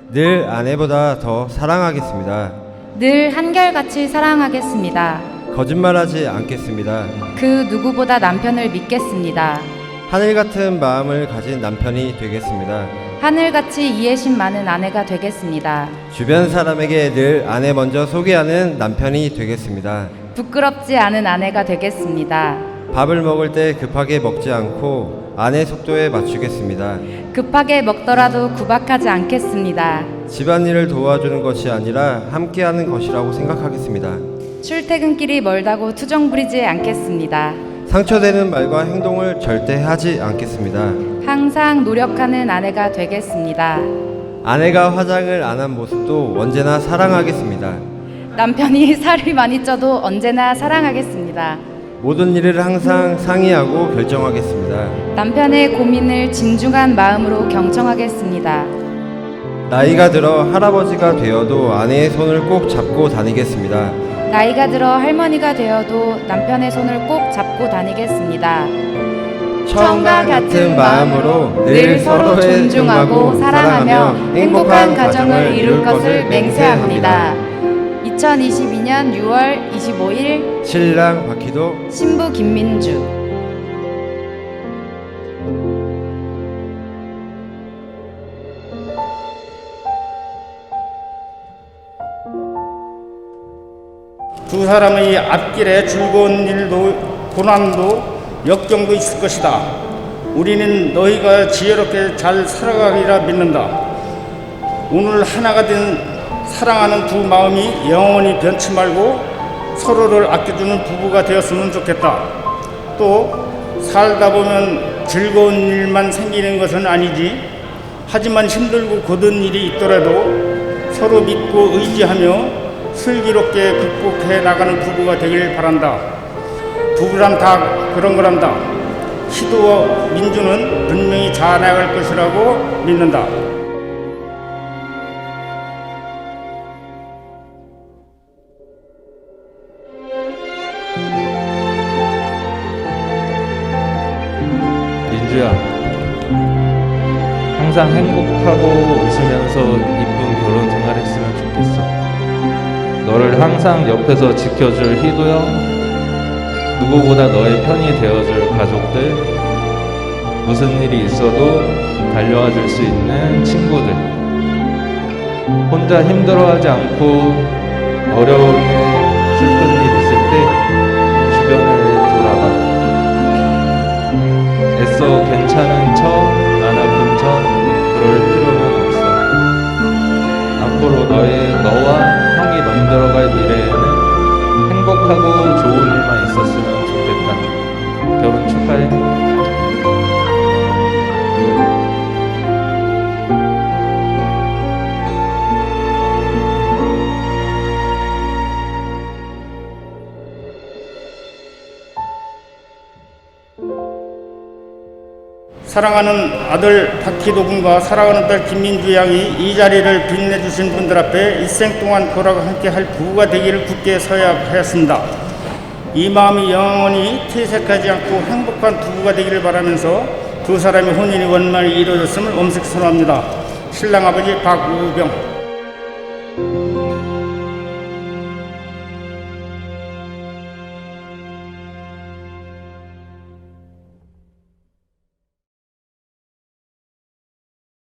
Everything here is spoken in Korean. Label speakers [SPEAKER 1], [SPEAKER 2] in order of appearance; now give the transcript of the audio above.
[SPEAKER 1] 늘 아내보다 더 사랑하겠습니다.
[SPEAKER 2] 늘 한결같이 사랑하겠습니다.
[SPEAKER 1] 거짓말하지 않겠습니다.
[SPEAKER 2] 그 누구보다 남편을 믿겠습니다.
[SPEAKER 1] 하늘 같은 마음을 가진 남편이 되겠습니다.
[SPEAKER 2] 하늘같이 이해심 많은 아내가 되겠습니다.
[SPEAKER 1] 주변 사람에게 늘 아내 먼저 소개하는 남편이 되겠습니다.
[SPEAKER 2] 부끄럽지 않은 아내가 되겠습니다.
[SPEAKER 1] 밥을 먹을 때 급하게 먹지 않고 아내 속도에 맞추겠습니다.
[SPEAKER 2] 급하게 먹더라도 구박하지 않겠습니다.
[SPEAKER 1] 집안일을 도와주는 것이 아니라 함께하는 것이라고 생각하겠습니다.
[SPEAKER 2] 출퇴근길이 멀다고 투정 부리지 않겠습니다.
[SPEAKER 1] 상처되는 말과 행동을 절대 하지 않겠습니다.
[SPEAKER 2] 항상 노력하는 아내가 되겠습니다.
[SPEAKER 1] 아내가 화장을 안 한 모습도 언제나 사랑하겠습니다.
[SPEAKER 2] 남편이 살이 많이 쪄도 언제나 사랑하겠습니다.
[SPEAKER 1] 모든 일을 항상 상의하고 결정하겠습니다.
[SPEAKER 2] 남편의 고민을 진중한 마음으로 경청하겠습니다.
[SPEAKER 1] 나이가 들어 할아버지가 되어도 아내의 손을 꼭 잡고 다니겠습니다.
[SPEAKER 2] 나이가 들어 할머니가 되어도 남편의 손을 꼭 잡고 다니겠습니다.
[SPEAKER 1] 처음과 같은 마음으로 늘 서로의 존중하고 사랑하며 행복한 가정을 이룰 것을 맹세합니다.
[SPEAKER 2] 2022년 6월 25일
[SPEAKER 1] 신랑 박희도,
[SPEAKER 2] 신부 김민주.
[SPEAKER 3] 두 사람의 앞길에 즐거운 일도 고난도 역경도 있을 것이다. 우리는 너희가 지혜롭게 잘 살아가리라 믿는다. 오늘 하나가 된 사랑하는 두 마음이 영원히 변치 말고 서로를 아껴주는 부부가 되었으면 좋겠다. 또 살다 보면 즐거운 일만 생기는 것은 아니지. 하지만 힘들고 고된 일이 있더라도 서로 믿고 의지하며 슬기롭게 극복해 나가는 부부가 되길 바란다. 부부란 다 그런 거란다. 희도와 민주는 분명히 잘 나갈 것이라고 믿는다.
[SPEAKER 4] 민주야, 항상 행복하고 웃으면서 이쁜 결혼 생활했으면 좋겠어. 너를 항상 옆에서 지켜줄 희도 형, 누구보다 너의 편이 되어줄 가족들, 무슨 일이 있어도 달려와 줄 수 있는 친구들, 혼자 힘들어하지 않고 어려운 일, 슬픈 일 있을 때 주변을 돌아봐. 애써 괜찮은 척, 안 아픈 척 그럴 필요는 없어. 앞으로 너와 형이 만들어갈 미래에는 행복하고 좋은 일만 있었으면 좋겠다. 결혼 축하해.
[SPEAKER 3] 사랑하는 아들 박희도 군과 사랑하는 딸 김민주 양이 이 자리를 빛내주신 분들 앞에 일생 동안 고락과 함께 할 부부가 되기를 굳게 서약하였습니다. 이 마음이 영원히 퇴색하지 않고 행복한 부부가 되기를 바라면서 두 사람의 혼인이 원만히 이루어졌음을 엄숙히 선언합니다. 신랑 아버지 박우병.